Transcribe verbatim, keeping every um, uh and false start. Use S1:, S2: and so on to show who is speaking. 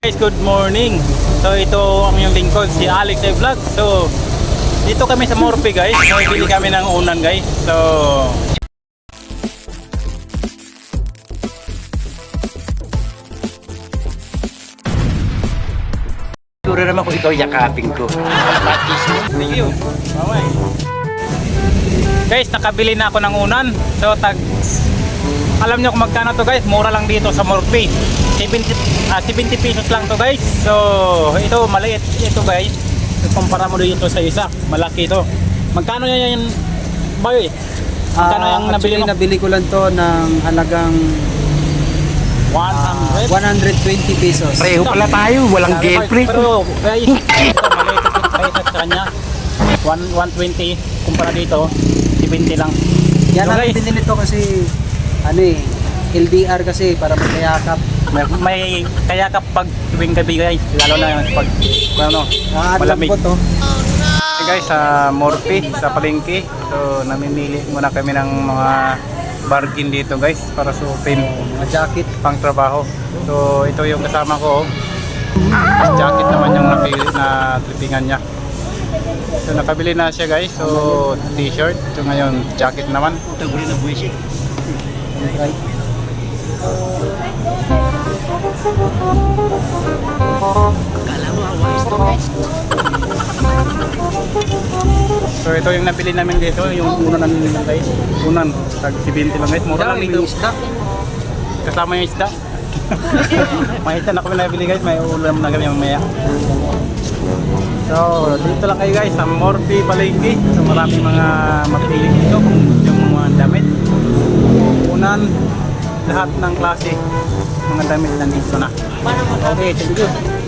S1: Guys, good morning. So ito ang yung lingkod, si Alex ay Vlog. So dito kami sa Morphe guys. So bili kami ng unan guys. So
S2: siguro naman kung ikaw yakapin ko.
S1: thank you. Bye. Guys, nakabili na ako ng unan. So tag alam nyo kung magkano to guys, mura lang dito sa Morphe. seventy, ah, seventy pesos lang to guys. So ito maliit ito guys. Kumpara mo dito sa isa, malaki ito. Magkano yan yung boy? Magkano
S3: Ah,
S1: yung nabili
S3: actually,
S1: mo?
S3: nabili ko lang to ng halagang
S1: one hundred.
S3: one hundred twenty pesos.
S2: Pareho pala tayo, walang girlfriend.
S1: Pero guys, ito maliit ito kaysa sa kanya. one twenty kumpara dito, seventy lang.
S3: Yan
S1: So,
S3: ang
S1: guys,
S3: binili to kasi ano eh, L D R kasi para magkayakap.
S1: may, may kaya kapag tuwing gabi guys, lalo na pag ano,
S3: Ah,
S1: malamig.
S3: ko to.
S1: Hey guys, sa Morphe, sa palengke. So namimili muna kami ng mga bargain dito guys para suotin
S3: Mga jacket.
S1: pang trabaho. So ito yung kasama ko. Mas jacket naman yung napili na tripingan niya. So nakabili na siya guys. So t-shirt. So ngayon jacket naman.
S3: Right.
S1: So ito yung nabili namin dito, yung unan namin guys. Unan, tag seventy lang guys. Mura lang dito.
S3: isda.
S1: Kasama yung isda. May isda na kami nabili guys, may ulam na kami mamaya. So dito lang kayo guys sa Morphe Palengke. So maraming mga mapili dito kung yung mga damit. Unan, lahat ng klase mga damit nandito na. Okay, thank you.